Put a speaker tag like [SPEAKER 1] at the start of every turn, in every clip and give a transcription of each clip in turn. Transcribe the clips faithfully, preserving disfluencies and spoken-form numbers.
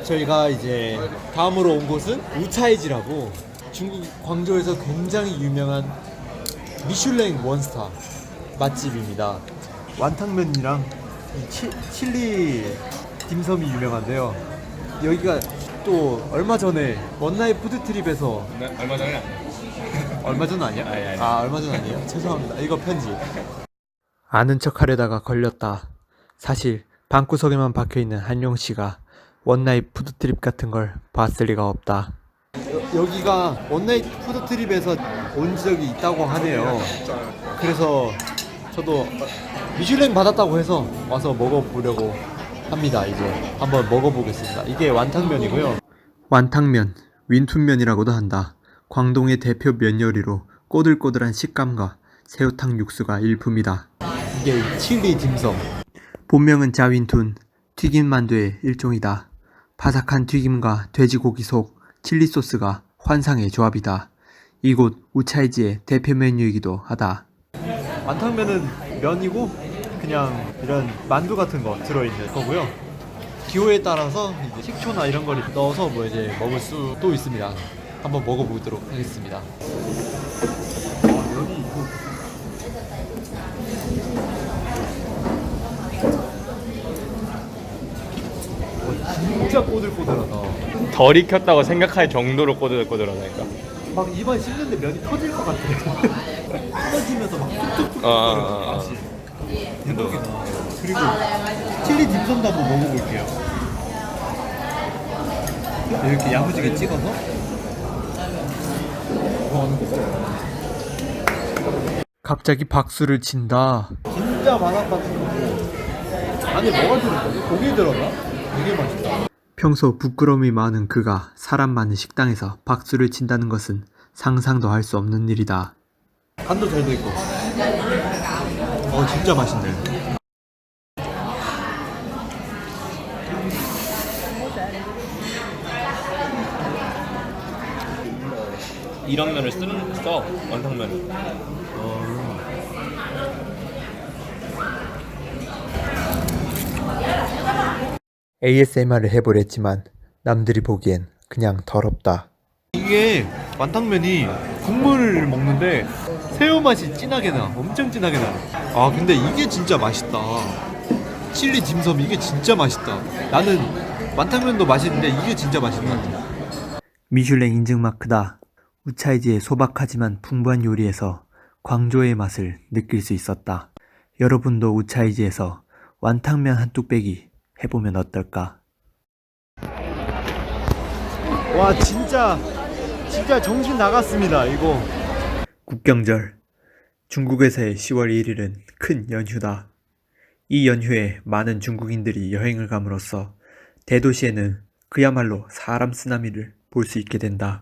[SPEAKER 1] 저희가 이제 다음으로 온 곳은 우차이지라고 중국 광저우에서 굉장히 유명한 미슐랭 원스타 맛집입니다. 완탕면이랑 이 치, 칠리 딤섬이 유명한데요. 여기가 또 얼마 전에 원나잇 푸드트립에서
[SPEAKER 2] 네, 얼마 전에
[SPEAKER 1] 얼마 전 아니야?
[SPEAKER 2] 아니, 아니.
[SPEAKER 1] 아 얼마 전 아니에요? 죄송합니다. 이거 편지. 아는 척하려다가 걸렸다. 사실 방구석에만 박혀있는 한용 씨가 원나잇 푸드트립 같은 걸 봤을 리가 없다. 여, 여기가 원나잇 푸드트립에서 온 적이 있다고 하네요. 그래서 저도 미슐랭 받았다고 해서 와서 먹어보려고 합니다. 이제 한번 먹어보겠습니다. 이게 완탕면이고요. 완탕면, 윈툰면이라고도 한다. 광동의 대표 면 요리로 꼬들꼬들한 식감과 새우탕 육수가 일품이다. 이게 칠리 딤섬. 본명은 자윈툰, 튀김 만두의 일종이다. 바삭한 튀김과 돼지고기 속 칠리 소스가 환상의 조합이다. 이곳 우차이지의 대표 메뉴이기도 하다. 완탕면은 면이고 그냥 이런 만두 같은 거 들어있는 거고요. 기호에 따라서 이제 식초나 이런 걸 넣어서 뭐 이제 먹을 수도 있습니다. 한번 먹어보도록 하겠습니다. 면이 있고 진짜 꼬들꼬들하다.
[SPEAKER 2] 덜 익혔다고 생각할 정도로 꼬들꼬들하다니까.
[SPEAKER 1] 막 입안 씹는데 면이 터질 것 같아. 터지면서 막 뚝뚝뚝
[SPEAKER 2] 어, 어, 어.
[SPEAKER 1] 맛이 대박이다. 그리고 칠리 딤섬도 한번 먹어볼게요. 이렇게 야무지게 찍어서 갑자기 박수를 친다. 진짜 바삭 같은 거고 안에 뭐가 들었거든? 고기 들었나? 되게 맛있다. 평소 부끄러움이 많은 그가 사람 많은 식당에서 박수를 친다는 것은 상상도 할 수 없는 일이다. 간도 잘 돼있고 어 진짜 맛있네.
[SPEAKER 2] 이런 면을 쓰는 써 원탕면을.
[SPEAKER 1] 에이에스엠알을 해보랬지만 남들이 보기엔 그냥 더럽다. 이게 완탕면이 국물을 먹는데 새우 맛이 진하게 나. 엄청 진하게 나. 아 근데 이게 진짜 맛있다. 칠리 딤섬 이게 진짜 맛있다. 나는 완탕면도 맛있는데 이게 진짜 맛있는 것 같아. 미슐랭 인증 마크다. 우차이지의 소박하지만 풍부한 요리에서 광저우의 맛을 느낄 수 있었다. 여러분도 우차이지에서 완탕면 한 뚝배기 해보면 어떨까? 와 진짜 진짜 정신 나갔습니다 이거. 국경절 중국에서의 시월 일일은 큰 연휴다. 이 연휴에 많은 중국인들이 여행을 감으로써 대도시에는 그야말로 사람 쓰나미를 볼 수 있게 된다.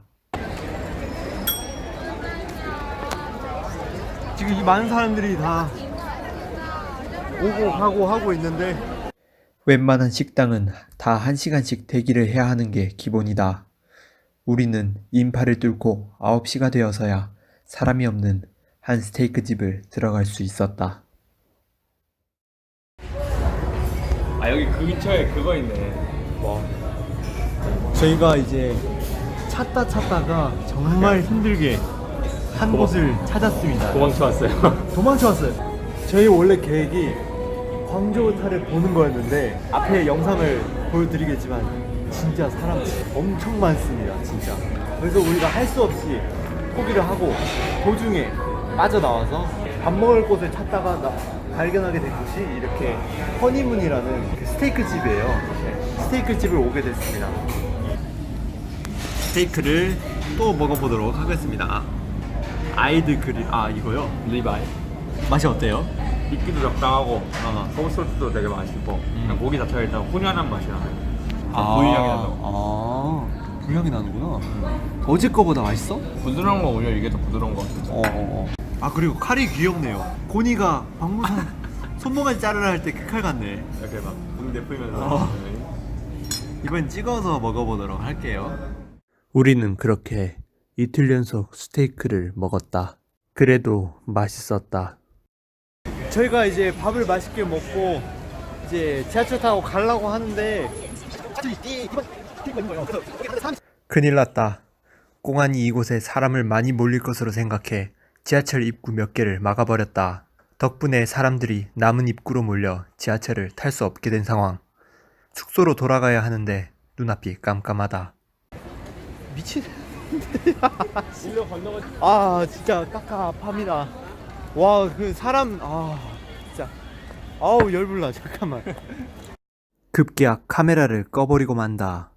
[SPEAKER 1] 지금 이 많은 사람들이 다 오고 가고 하고 있는데 웬만한 식당은 다 한 시간씩 대기를 해야 하는 게 기본이다. 우리는 인파를 뚫고 아홉 시가 되어서야 사람이 없는 한 스테이크 집을 들어갈 수 있었다.
[SPEAKER 2] 아 여기 그 근처에 그거 있네.
[SPEAKER 1] 뭐 저희가 이제 찾다 찾다가 정말 힘들게 한
[SPEAKER 2] 도망-
[SPEAKER 1] 곳을 찾았습니다.
[SPEAKER 2] 도망쳐 왔어요.
[SPEAKER 1] 도망쳐 왔어요. 저희 원래 계획이 광저우 탈을 보는 거였는데 앞에 영상을 보여드리겠지만 진짜 사람 엄청 많습니다. 진짜. 그래서 우리가 할 수 없이 포기를 하고 도중에 빠져나와서 밥 먹을 곳을 찾다가 나, 발견하게 된 곳이 이렇게 허니문이라는 그 스테이크 집이에요. 네, 스테이크 집을 오게 됐습니다. 스테이크를 또 먹어보도록 하겠습니다. 아이드 그릴 아 이거요?
[SPEAKER 2] 리바이.
[SPEAKER 1] 맛이 어때요?
[SPEAKER 2] 익기도 적당하고 어, 소스도 되게 맛있고 그냥 고기 자체가 일단 훈연한 맛이 나요. 부위 향이 나서
[SPEAKER 1] 아, 부향이 나는구나. 어제 거보다 맛있어?
[SPEAKER 2] 부드러운 거 오히려 이게 더 부드러운 거 같아요.
[SPEAKER 1] 어, 어. 아 그리고 칼이 귀엽네요. 고니가 박무선 손모가지 자르라 할 때 그 칼 같네.
[SPEAKER 2] 이렇게 막 붕대 풀면서.
[SPEAKER 1] 어. 이번 찍어서 먹어보도록 할게요. 우리는 그렇게 이틀 연속 스테이크를 먹었다. 그래도 맛있었다. 저희가 이제 밥을 맛있게 먹고 이제 지하철 타고 가려고 하는데 큰일 났다. 공안이 이곳에 사람을 많이 몰릴 것으로 생각해 지하철 입구 몇 개를 막아버렸다. 덕분에 사람들이 남은 입구로 몰려 지하철을 탈 수 없게 된 상황. 숙소로 돌아가야 하는데 눈앞이 깜깜하다. 미친. 아 진짜 깝깝합니다. 와 그 사람 아 진짜 아우 열불나. 잠깐만. 급기야 카메라를 꺼버리고 만다.